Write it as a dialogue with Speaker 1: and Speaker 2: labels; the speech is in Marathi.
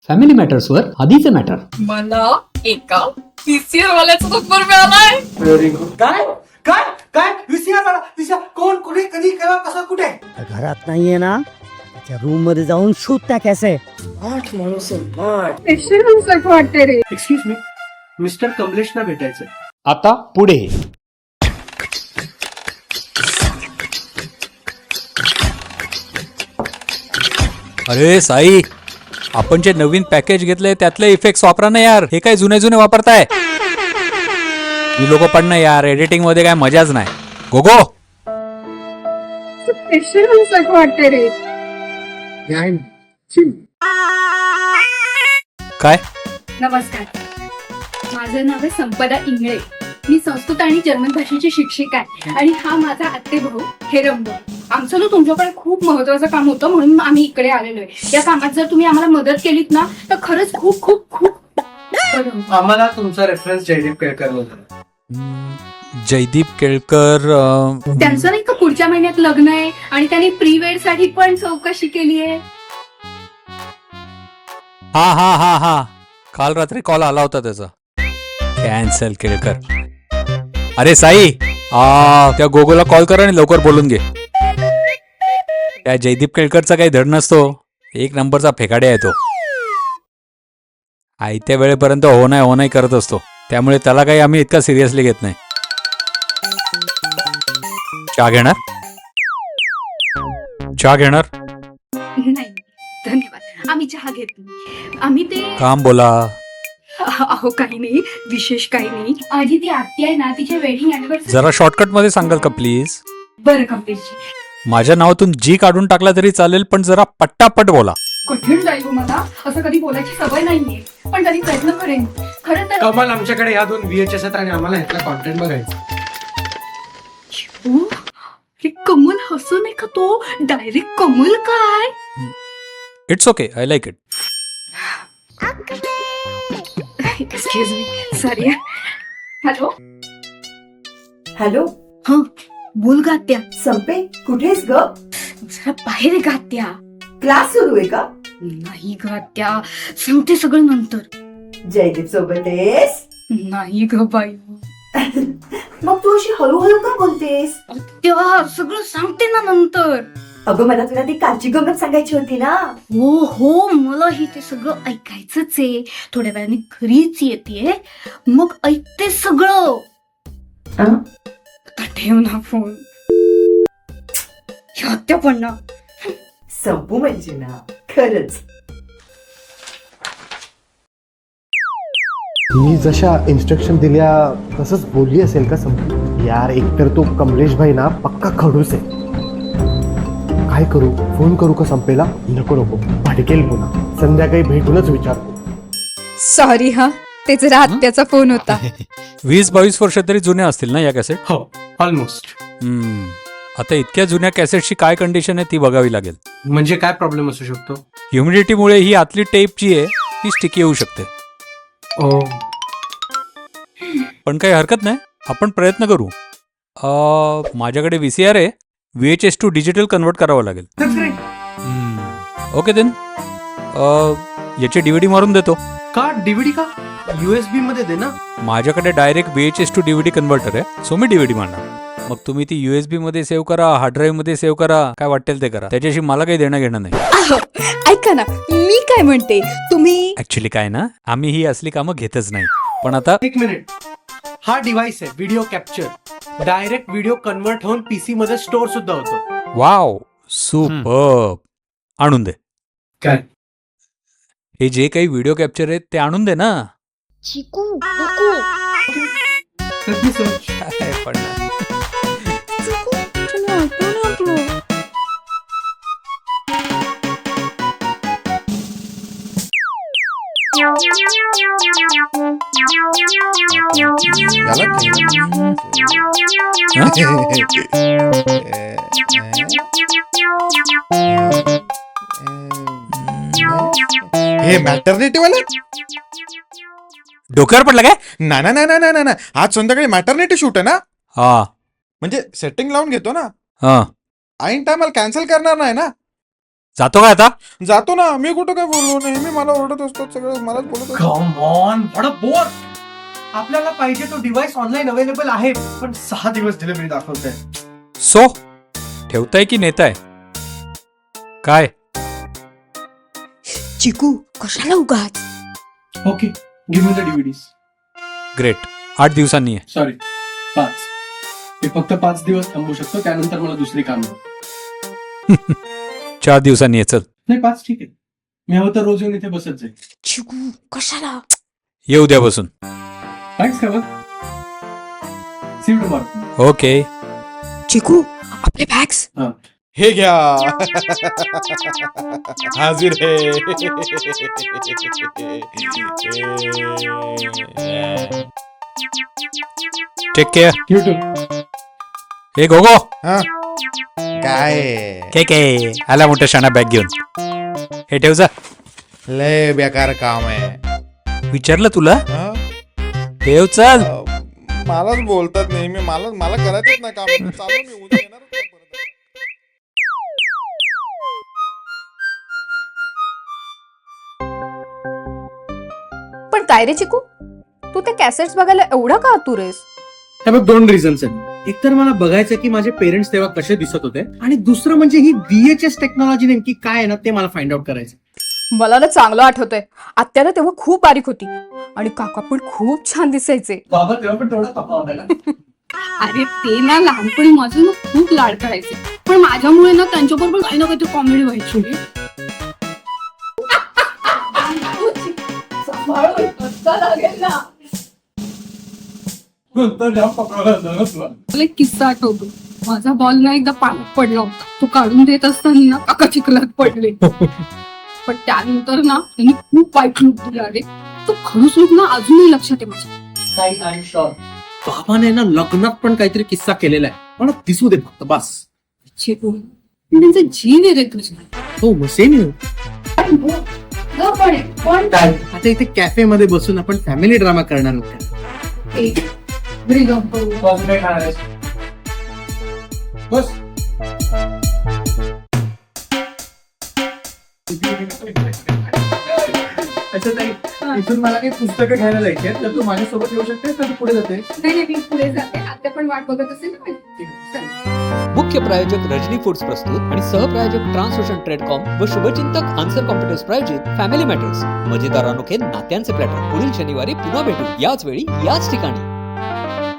Speaker 1: फॅमिली मॅटर्सवर आधीचे मॅटर.
Speaker 2: मला एका पीसीआर वाल्याचा नंबर मिळालाय.
Speaker 3: Very good. काय काय काय व्हीसीआर वाला व्हीसीआर कोण कुठे कधी केव्हा कसं कुठे?
Speaker 4: घरात नाहीये ना, त्याच्या रूम मध्ये जाऊन शोध त्या कॅसे.
Speaker 3: आठ माणूस आठ.
Speaker 2: वाटते रे.
Speaker 3: एक्सक्यूज मी, मिस्टर कमलेशना भेटायचंय.
Speaker 1: आता पुढे.
Speaker 5: अरे साई, आपण जे नवीन पॅकेज घेतलंय त्यातले इफेक्ट्स वापरा ना यार. हे काय जुने जुने वापरताय. मी लोक पण ना यार, एडिटिंग मध्ये काय मजाच नाही. गोगो
Speaker 2: वाटते रे.
Speaker 5: काय
Speaker 2: नमस्कार, माझं नाव आहे संपदा इंगळे. मी संस्कृत आणि जर्मन भाषेची शिक्षिका आहे आणि हा माझा आत्ते भाऊ हेरंब. आमचं ना तुमच्याकडे खूप महत्वाचं काम होतं म्हणून आम्ही इकडे आलेलो आहे. या कामात जर तुम्ही आम्हाला मदत केलीत ना तर खरंच खूप खूप खूप बरं होईल.
Speaker 3: आम्हाला तुमचा रेफरन्स जयदीप केळकर होता.
Speaker 5: जयदीप केळकर
Speaker 2: त्यांचं नाही का पुढच्या महिन्यात लग्न आहे आणि त्यांनी प्री वेड साठी पण चौकशी केली आहे.
Speaker 5: हा हा हा हा, काल रात्री कॉल आला होता त्याचा. कॅन्सल केळकर. अरे साई, त्या गोगोला कॉल कर आणि लवकर बोलून घे. त्या जयदीप केळकरचा काही धड नसतो. एक नंबरचा फेकाडे आहे तो. आयत्या वेळेपर्यंत हो नाही करत असतो. त्यामुळे त्याला काही आम्ही इतका सिरियसली घेत नाही. चहा घेणार? चहा घेणार?
Speaker 2: नाही धन्यवाद, आम्ही चहा घेत नाही. आम्ही ते
Speaker 5: काम बोला.
Speaker 2: अहो काही नाही, विशेष काही नाही. आधी ती आत्या आहे ना, तिच्या वेडिंग अॅनिव्हर्सरी.
Speaker 5: जरा शॉर्टकट मध्ये सांगाल का प्लीज?
Speaker 2: बरं कमलेशजी,
Speaker 5: माझ्या नावातून जी काढून टाकला तरी चालेल, पण जरा पट्टापट बोला.
Speaker 2: कठीण जाईल हो मला. असं कधी बोलायची सवय नाहीये, पण तरी प्रयत्न करेन. खरं तर
Speaker 3: कमाल, आमच्याकडे या 2 VHS आहेत आणि आम्हाला ह्यातला कॉन्टेंट बघायचा.
Speaker 2: ओ, हे कमल हसून आहे का तो? डायरेक्ट कमल काय?
Speaker 5: It's okay, I like it.
Speaker 2: Excuse me, sorry. Hello
Speaker 6: hello,
Speaker 2: हा बोल गात्या.
Speaker 6: संपे कुठेस ग?
Speaker 2: जरा बाहेर गात्या.
Speaker 6: क्लास सुरू आहे का?
Speaker 2: नाही गात्या, सांगते सगळं नंतर.
Speaker 6: जयदीप सोबत आहेस?
Speaker 2: नाही ग बाई.
Speaker 6: मग तू अशी हळूहळू का बोलतेस?
Speaker 2: तेव्हा सगळं सांगते ना नंतर.
Speaker 6: अगं मला तुला ती कालची गंमत सांगायची होती ना.
Speaker 2: हो, मलाही ते सगळं ऐकायचंच आहे. थोड्या वेळाने घरीच येते, मग ऐकते सगळं. आता ठेव ना फोन. हत्या पण ना.
Speaker 6: संपू म्हणजे ना, खरंच.
Speaker 7: मी जशा इन्स्ट्रक्शन दिल्या तसंच बोलली असेल का संपू? यार, एकतर तो कमलेश भाई ना पक्का खडूस आहे. काय करू? फोन करू का संपेला? नको भडकेल पुन्हा. संध्याकाळी भेटूनच विचारतो.
Speaker 8: सॉरी हा, ते जरा आत्याचा फोन होता.
Speaker 5: 20-22 वर्ष तरी जुन्या असतील ना या कॅसेट?
Speaker 3: हो, ऑलमोस्ट.
Speaker 5: आता इतक्या जुन्या कॅसेटची काय कंडिशन आहे ती बघावी लागेल.
Speaker 3: म्हणजे काय प्रॉब्लेम असू शकतो?
Speaker 5: ह्युमिडिटीमुळे ही आतली टेप जी आहे ती स्टिकी होऊ शकते.
Speaker 3: ओ,
Speaker 5: पण काही हरकत नाही, आपण प्रयत्न करू. माझ्याकडे VCR आहे, VHS to डिजिटल कन्वर्ट करावं लागेल. ओके देन, याची DVD मारून देतो.
Speaker 3: का DVD का? USB मध्ये दे ना.
Speaker 5: माझ्याकडे direct VHS to DVD converter आहे, सो मी DVD मारणार. मग तुम्ही ती USB मध्ये सेव्ह करा, हार्ड ड्राईव्ह मध्ये सेव्ह करा, काय वाटेल ते करा. त्याच्याशी मला काही देणं घेणं नाही.
Speaker 8: अहो, ऐका ना, मी काय म्हणते, तुम्ही
Speaker 5: ऍक्च्युली काय ना, आम्ही ही असली कामं घेतच नाही. पण आता
Speaker 3: 1 मिनिट. हा डिव्हाइस आहे video capture. Direct video convert होऊन PC मध्ये स्टोअर सुद्धा होतो.
Speaker 5: Wow, superb. आणून दे.
Speaker 3: काय?
Speaker 5: हे जे काही व्हिडिओ कॅप्चर आहेत ते आणून दे ना.
Speaker 2: चिकू नको.
Speaker 5: काय पण ना.
Speaker 9: हे मॅटर्निटी वाला
Speaker 5: डोक्यावर पडलं काय?
Speaker 9: ना ना ना ना ना ना, आज संध्याकाळी मॅटर्निटी शूट आहे ना.
Speaker 5: हा
Speaker 9: म्हणजे सेटिंग लावून घेतो ना.
Speaker 5: हा,
Speaker 9: ऐन टायमाला कॅन्सल करणार नाही ना.
Speaker 5: जातो का आता?
Speaker 9: जातो ना, मी कुठं काय बोललो, नेहमी मला ओरडत असतो, सगळं मलाच बोलत असतो.
Speaker 3: कम ऑन, बडा बोर. आपल्याला पाहिजे तो डिव्हाइस ऑनलाईन अवेलेबल आहे, पण 6 दिवस डिलिव्हरी दाखवतंय.
Speaker 5: सो ठेवताय की नेताय काय?
Speaker 8: चिकू कशाला उगाच.
Speaker 3: Okay, give me the DVDs.
Speaker 5: Great. 8 दिवसांनी आहे.
Speaker 3: सॉरी, 5. मी फक्त 5 दिवस थांबू शकतो, त्यानंतर मला दुसरी काम.
Speaker 5: 4 दिवसांनी आहे. चल
Speaker 3: नाही, 5 ठीक आहे. मी हवं तर रोज येऊन इथे बसत जाईल.
Speaker 8: चिकू कशाला.
Speaker 5: ये उद्यापासून.
Speaker 3: थँक्स खबर. See you tomorrow.
Speaker 5: Okay.
Speaker 8: Chiku आपले बॅग्स.
Speaker 9: हे घ्या. हाजीर है.
Speaker 5: Take care.
Speaker 3: You too.
Speaker 5: हे गोगो.
Speaker 9: हा? काय
Speaker 5: के आला मोठ्या शाणा बॅग घेऊन. हे ठेव जा.
Speaker 9: लय बेकार काम आहे.
Speaker 5: विचारलं तुला.
Speaker 9: हा?
Speaker 5: ठेव चल.
Speaker 9: मलाच बोलतात नेहमी, मला करायचंच नाही काम. चालू मी उद्या येणारच नाही परत.
Speaker 8: पण काय रे चिकू, तू ते कॅसेट्स बघायला एवढा का आतुर आहेस?
Speaker 3: हे बघ, 2 रिझन्स आहेत. एक तर मला बघायचं की माझे पेरेंट्स तेव्हा कसे दिसत होते, आणि दुसरं म्हणजे ही VHS टेक्नॉलॉजी नेमकी काय आहे ना, ते मला फाइंड आउट करायचं.
Speaker 8: मला ना चांगलं आठवतंय, आत्या ना तेव्हा खूप बारीक होती आणि काका पण खूप छान दिसायचे.
Speaker 3: बाबा तेव्हा पण तेवढा तफावत आहे ना.
Speaker 2: अरे ते ना लहानपणी माझं ना खूप लाड करायचे, पण माझ्यामुळे ना त्यांच्याबरोबर काही ना काहीतरी कॉमेडी व्हायची. मला एक किस्सा आठवतो. माझा बॉल ना एकदा पाण्यात पडला होता. तो काढून देत असताना ना काका चिखलात पडले. पण त्यानंतर ना त्यांनी खूप वाईट लूक दिला. अरे तो खडूस लूक ना अजूनही लक्षात आहे माझ्या.
Speaker 3: बाबाने ना लग्नात पण काहीतरी किस्सा केलेला आहे, मला दिसू दे फक्त बस.
Speaker 2: चिकू त्यांचा जीव आहे रे तुझा.
Speaker 3: हो, मग सेम येऊ.
Speaker 2: पण
Speaker 3: आता इथे कॅफे मध्ये बसून आपण फॅमिली ड्रामा करणार होतो. बस. इथून मला काही पुस्तकं घ्यायला जायची आहेत, तर तू माझ्यासोबत येऊ शकतेस का? तू पुढे जाते?
Speaker 2: नाही, मी पुढे जाते. आता पण वाट बघत असेल ना. चल.
Speaker 1: मुख्य प्रायोजक रजनी फूड्स प्रस्तुत आणि सहप्रायोजक ट्रान्सओशन ट्रेडकॉम व शुभचिंतक आन्सर कॉम्प्युटर्स प्रायोजित फॅमिली मॅटर्स. मजेदार अनोखे नात्यांचे प्लॅटर. पुढील शनिवारी पुन्हा भेटू, याच वेळी याच ठिकाणी.